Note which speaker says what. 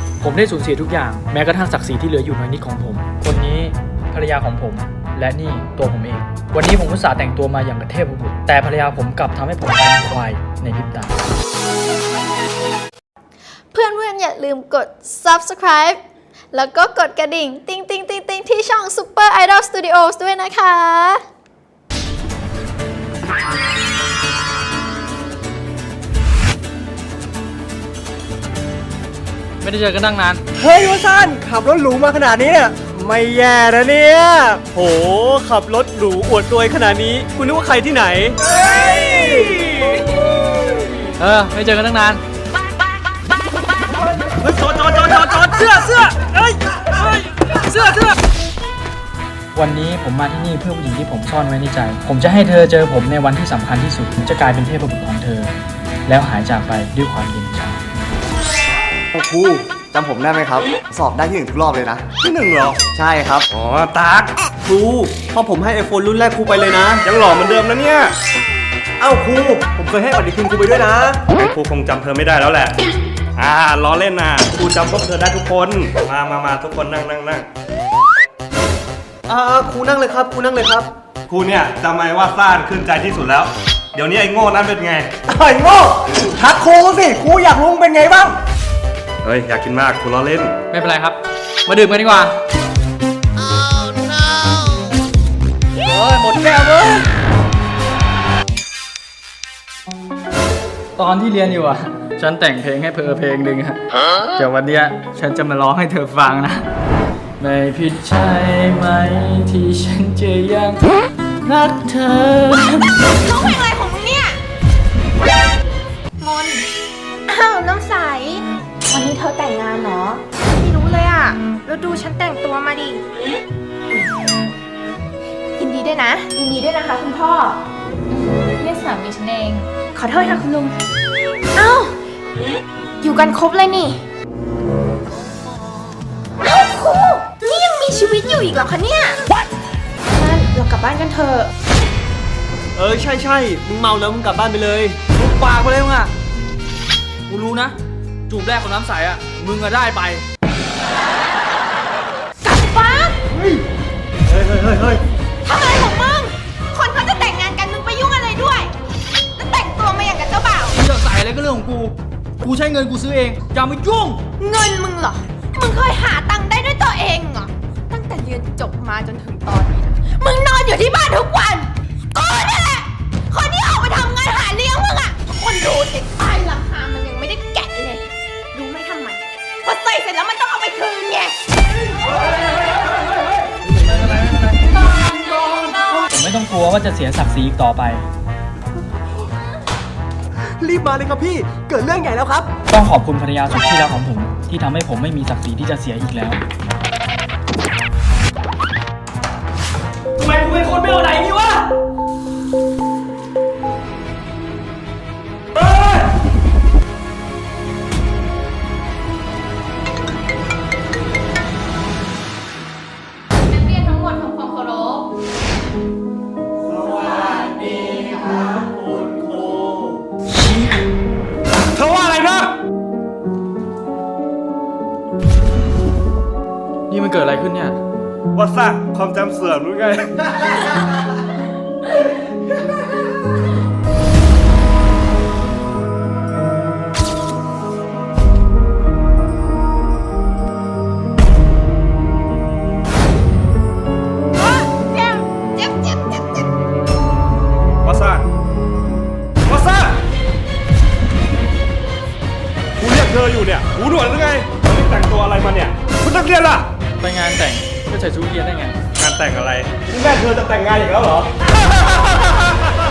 Speaker 1: ผมได้สูญเสียทุกอย่างแม้กระทั่งศักดิ์ศรีที่เหลืออยู่น้อยนิดของผมคนนี้ภรรยาของผมและนี่ตัวผมเองวันนี้ผมอุตส่าห์แต่งตัวมาอย่างกระเทพบุตรแต่ภรรยาผมกลับทำให้ผมกลายเป็นควายในพริบตา
Speaker 2: เพื่อนๆอย่าลืมกด subscribe แล้วก็กดกระดิ่งติ๊งติ๊งติ๊งติ๊งที่ช่อง Super Idol Studios ด้วยนะคะ
Speaker 1: ไม่ได้เจอกันตั้งนาน
Speaker 3: เฮ้ยวสันต์ขับรถหรูมาขนาดนี้เนี่ยไม่แย่นะเนี่ยโหขับรถหรูอวดตัวขนาดนี้คุณนึกว่าใครที่ไหน
Speaker 1: ไม่เจอกันตั้งนาน
Speaker 3: จอดเสื้อเสื้อ
Speaker 1: วันนี้ผมมาที่นี่เพื่อผู้หญิงที่ผมซ่อนไว้ในใจผมจะให้เธอเจอผมในวันที่สำคัญที่สุดผมจะกลายเป็นเทพบุตรของเธอแล้วหายจากไปด้วยความเย็นชา
Speaker 4: ครูจำผมได้ไหมครับสอบได้ที่1ทุกรอบเลยนะ
Speaker 3: ที่1เหรอ
Speaker 4: ใช่ครับ
Speaker 3: อ๋อตักครูพอผมให้ iPhone รุ่นแรกครูไปเลยนะยังหล่อเหมือนเดิมนะเนี่ยเอ้าครูผมเคยให้ปฏิทินครูไปด้วยนะครูคงจำเธอไม่ได้แล้วแหละล้อเล่นนะครูจำพวกเธอได้ทุกคนมาทุกคนนั่งครูนั่งเลยครับครูนั่งเลยครับครูเนี่ยจำไว้ว่าซ่านขึ้นใจที่สุดแล้วเดี๋ยวนี้ไอ้โง่นั้นเป็นไงไอ้โง่ทักครูสิครูอยากรู้เป็นไงบ้างเฮ้ยอยากกินมากครูล้อเล่น
Speaker 1: ไม่เป็นไรครับมาดื่มกันดีกว่า
Speaker 3: หมดแก้วเลย
Speaker 1: ตอนที่เรียนอยู่ฉันแต่งเพลงให้เพลงหนึ่งเดี๋ยววันเนี้ยฉันจะมาร้องให้เธอฟังนะไม่ผิดใช่ไหมที่ฉันจะยังรักเธอ
Speaker 2: ร้องเพลงอะไรของมึงเนี่ยมนอ้าวน้ำใสวันนี้เธอแต่งงานเหรอไม่รู้เลยอ่ะแล้วดูฉันแต่งตัวมาดิยินดีด้วยนะยินดีด้วยนะคะคุณพ่อ
Speaker 5: เรียกสามีฉันเอง
Speaker 2: ขอโทษค่ะคุณลุงเอ้าอยู่กันครบเลยนี่เอ้าครูนี่ยังมีชีวิตอยู่อีกเหรอคะเนี่ยงั้นเรากลับบ้านกันเถอะ
Speaker 3: ใช่มึงเมาแล้วมึงกลับบ้านไปเลย
Speaker 1: มึงปากไปเลยมึงกูรู้นะจูบแรกของน้ำใสมึงก็ได้ไป
Speaker 2: กลับบ้าน
Speaker 3: เฮ้ย
Speaker 2: ทำอะไรของมึงคนเขาจะแต่งงานกันมึงไปยุ่งอะไรด้วยแล้วแต่งตัวมาอย่างกับเจ้าบ่าว
Speaker 1: จะใส่อะไรก็เรื่องของกูใช้เงินกูซื้อเองอย่ามายุ่ง
Speaker 2: เงินมึงเหรอมึงเคยหาตังค์ได้ด้วยตัวเองเหรอตั้งแต่เรียนจบมาจนถึงตอนนี้นะมึงนอนอยู่ที่บ้านทุกวันกูนี่แหละคนที่ออกไปทำงานหาเลี้ยงมึงคนดูติดป้ายราคามันยังไม่ได้แกะเลยรู้ไหมทำไมพอใส่เสร็จแล้วมันต้องเอาไปคืนไง
Speaker 1: ผมไม่ต้องกลัวว่าจะเสียศักดิ์ศรีอีกต่อไป
Speaker 3: รีบมาเลยครับพี่เกิดเรื่องใหญ่แล้วครับ
Speaker 1: ต้องขอบคุณภรรยาสุดที่รักของผมที่ทำให้ผมไม่มีศักดิ์ศรีที่จะเสียอีกแล้ว
Speaker 3: ทำไมกูเป็นคนไม่เอาไหนนี่วะ
Speaker 1: นี่มันเกิดอะไรขึ้นเนี่ย
Speaker 3: ว่าซะความจำเสื่อมหรือไงว่าซะกูเรียกเธออยู่เนี่ยหูหนวกหรือไงมันแต่งตัวอะไรมาเนี่ยคุณนักเรียนล่ะ
Speaker 1: ไปงานแต่งก็ใส่ชุดเรียนได้ไง
Speaker 3: งานแต่งอะไรนี่แม่เธอจะแต่งงานอีกแล้วเหรอ